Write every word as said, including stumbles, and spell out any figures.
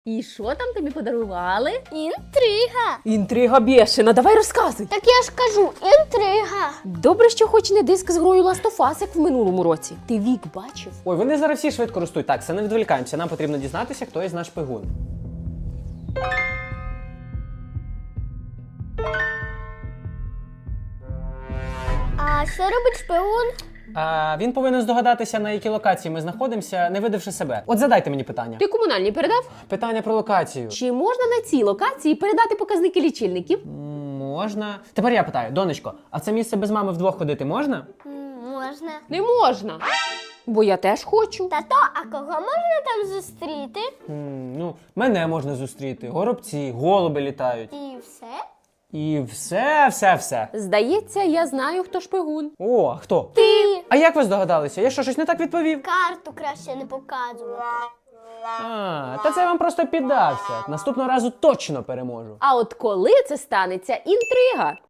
І що там тобі подарували? Інтрига. Інтрига бєшена, давай розказуй. Так я ж кажу, інтрига. Добре, що хоч не диск з грою Last of Us, як в минулому році. Ти Вік бачив? Ой, вони зараз всі швидко ростуть. Так, все, не відволікаємося. Нам потрібно дізнатися, хто із наш шпигун. А що робить шпигун? А, він повинен здогадатися, на якій локації ми знаходимося, не видавши себе. От задайте мені питання. Ти комунальні передав? Питання про локацію. Чи можна на цій локації передати показники лічильників? М, Можна. Тепер я питаю, донечко, а в це місце без мами вдвох ходити можна? М, Можна. Не можна. Бо я теж хочу. Тато, а кого можна там зустріти? М, Ну, мене можна зустріти, горобці, голуби літають. І все? І все, все, все. Здається, я знаю, хто шпигун. О, а хто? Ти. А як ви здогадалися? Я що, щось не так відповів? Карту краще не показувати. А, та це я вам просто піддався. Наступного разу точно переможу. А от коли це станеться, інтрига.